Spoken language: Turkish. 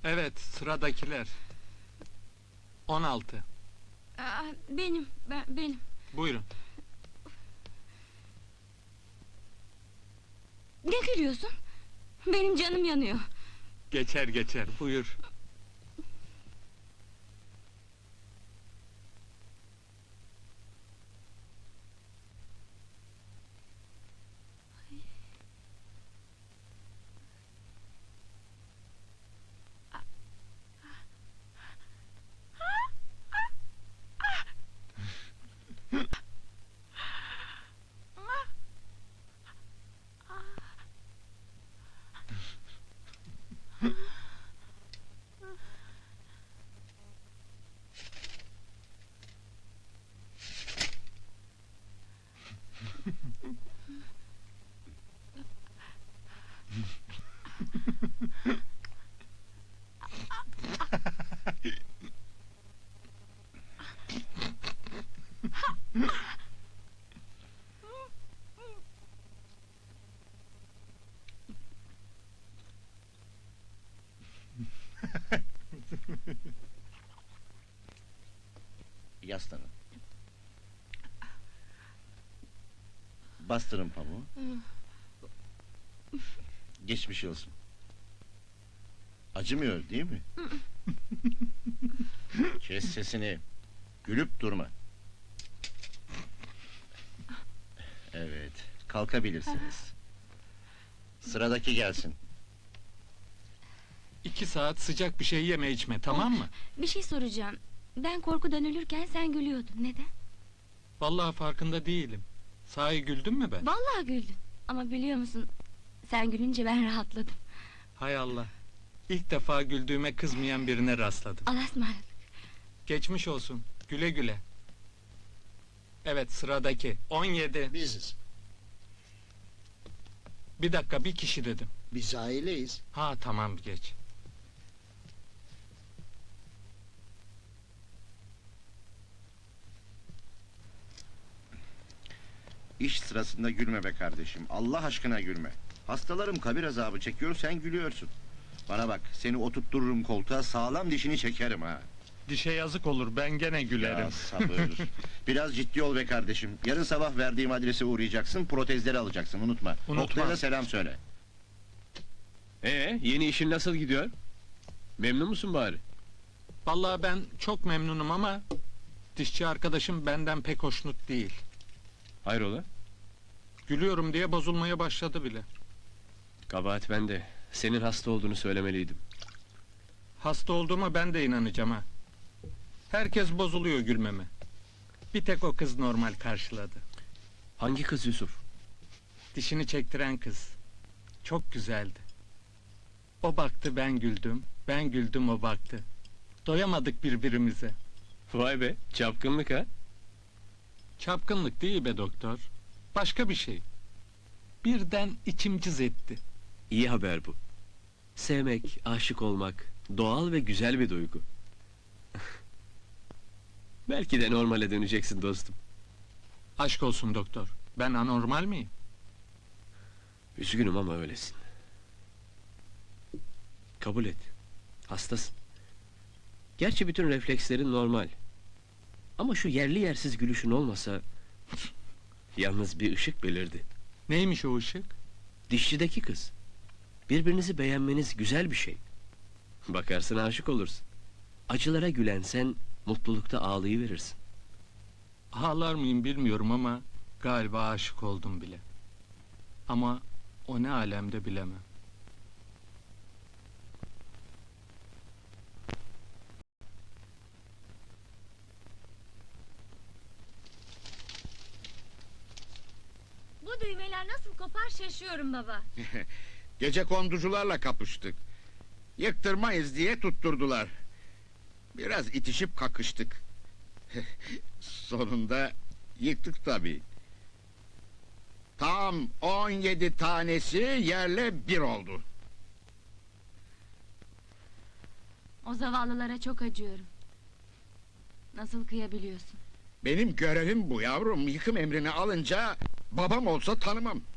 Evet, sıradakiler. 16. Benim. Buyurun. Ne gülüyorsun? Benim canım yanıyor. Geçer, buyur. Yaslanın. Bastırın pamuğu. Geçmiş olsun. Acımıyor değil mi? Kes sesini. Gülüp durma. Evet, kalkabilirsiniz. Sıradaki gelsin. 2 saat sıcak bir şey yeme içme, tamam mı? Bir şey soracağım. Ben korkudan ölürken sen gülüyordun. Neden? Vallahi farkında değilim. Sahi güldün mü ben? Vallahi güldün. Ama biliyor musun? Sen gülünce ben rahatladım. Hay Allah. İlk defa güldüğüme kızmayan birine rastladım. Allah'a ısmarladık. Geçmiş olsun. Güle güle. Evet, sıradaki. 17. Biziz. Bir dakika, bir kişi dedim. Biz aileyiz. Ha tamam, geç. İş sırasında gülme be kardeşim. Allah aşkına gülme. Hastalarım kabir azabı çekiyor, sen gülüyorsun. Bana bak, seni oturttururum koltuğa, sağlam dişini çekerim ha. Dişe yazık olur, ben gene gülerim. Ya sabır. Biraz ciddi ol be kardeşim. Yarın sabah verdiğim adrese uğrayacaksın, protezleri alacaksın, unutma. Unutmam. Oktay'a da selam söyle. Yeni işin nasıl gidiyor? Memnun musun bari? Vallahi ben çok memnunum ama... dişçi arkadaşım benden pek hoşnut değil. Hayrola? Gülüyorum diye bozulmaya başladı bile. Kabahat bende. Senin hasta olduğunu söylemeliydim. Hasta olduğuma ben de inanacağım ha. Herkes bozuluyor gülmeme. Bir tek o kız normal karşıladı. Hangi kız Yusuf? Dişini çektiren kız. Çok güzeldi. O baktı, ben güldüm. Ben güldüm, o baktı. Doyamadık birbirimize. Vay be, çapkınlık ha? Çapkınlık değil be doktor. Başka bir şey. Birden içim cız etti. İyi haber bu. Sevmek, aşık olmak, doğal ve güzel bir duygu. Belki de normale döneceksin dostum. Aşk olsun doktor. Ben anormal miyim? Üzgünüm ama öylesin. Kabul et. Hastasın. Gerçi bütün reflekslerin normal. Ama şu yerli yersiz gülüşün olmasa... Yalnız bir ışık belirdi. Neymiş o ışık? Dişçideki kız. Birbirinizi beğenmeniz güzel bir şey. Bakarsın aşık olursun. Acılara gülen sen, mutlulukta ağlayıverirsin. Ağlar mıyım bilmiyorum ama... galiba aşık oldum bile. Ama o ne alemde bilemem. Bu düğmeler nasıl kopar şaşıyorum baba. Gece konducularla kapıştık. Yıktırmayız diye tutturdular. Biraz itişip kakıştık. Sonunda yıktık tabii. Tam 17 tanesi yerle bir oldu. O zavallılara çok acıyorum. Nasıl kıyabiliyorsun? Benim görevim bu yavrum. Yıkım emrini alınca babam olsa tanımam.